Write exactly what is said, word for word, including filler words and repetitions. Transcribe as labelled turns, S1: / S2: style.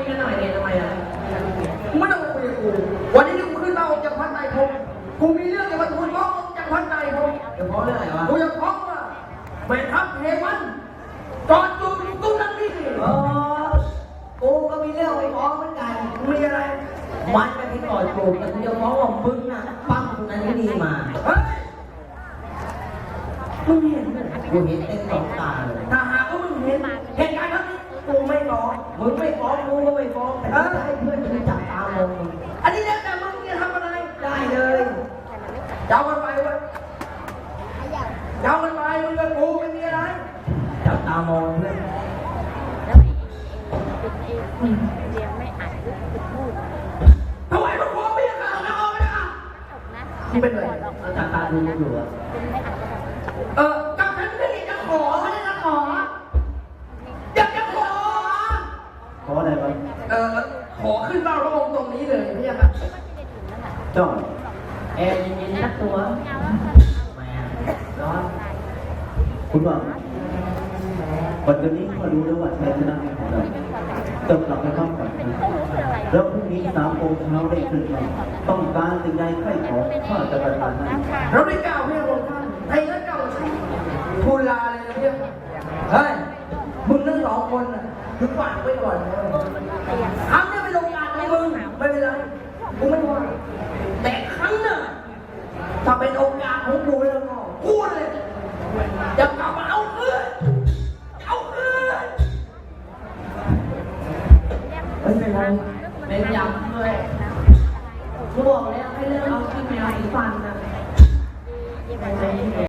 S1: ยกันหน่อยเนี่ยทำไมอ่ะ
S2: มึงไม่ต้องมาคุยกับกูวันนี้ที่กูขึ้นมาออกจากพันไตรภพกูมีเรื่องจะมาทูลร้องออกจากพันไตรภพ
S1: เดี๋ยวเพราะเรื่องอะไรวะ
S2: กูจะฟ้องว่าแม่ทัพเทวันจอดจูบตุ้งนั่งนี่
S1: อ๋อกูก็มีเรื่องไปฟ้องเหมือนกัน
S2: มีอะไร
S1: มันไปที่ก่อนจูบแต่กูจะฟ้องว่ามึงน่ะปั้มคนนั้นที่ดีมา
S2: เฮ้ยมึงเห็นไหม
S1: กูเห็นเต็มสองตาเลย
S2: ถ้าหากว่ามึงเห็นเหตุการณ์นั้นกูไม่ร้อง
S1: มึงไม่ฟ้องกูก็ไม่ฟ้องแต่กูจะให้เพื่อนกูจับตามองมึง
S2: อันนี้แล้วแต่มึงจะทำอะไร
S1: ได้เลย
S2: เจ้ากันไปเว้ยเจ้ากันไปมึงกับกูไม่มีอะไร
S1: จับตามองเพื่อน
S3: เรียนไม่อ่านก็พูด
S2: ถวายพระพรไม่ยังข่าวนะเอาไปนะ
S3: นะ
S2: นี่เป็นไร
S1: เราจับตาดูอยู่อะ
S2: เออกับฉันไม่ได้จะขอไม่ได้จะขออยากจะขอ
S1: ขออะไรวะ
S2: เออขอขึ้นเฝ้าพระองค์ตรงนี้เลยพี่ครับ
S1: จ้องแอร์เย็นๆนักตัวแหมร้อน
S4: คุณว่าวันนี้ก็รู้แล้วว่าชัยชนะของเราต้องกลับไปพักผ่อนนะแล้วพรุ่งนี้สามโมงเช้าได้ขึ้นมาต้องการสิ่งใดใครขอข้าจะประทานให้
S2: เราได้กล่าวเพื่อพระองค์ท่านไทยและเก่าชื่อทูลลาเลยนะพี่เฮ้ยมึงทั้งสองคนน่ะถึงฝากไว้ก่อนนะครั้งนี้เป็นโอกาสของมึงไม่เป็นไรกูไม่ว่าแต่ครั้งหน้าถ้าเป็นโอกาสของกูแล้วก็พูดเลยจะกลับมาเอาคืนเอาคืน
S1: ไม่เป็นไรเป็นย้ำด้วยกูบอกแล้วให้เรื่องเอาขี้แมวสีฟันนะ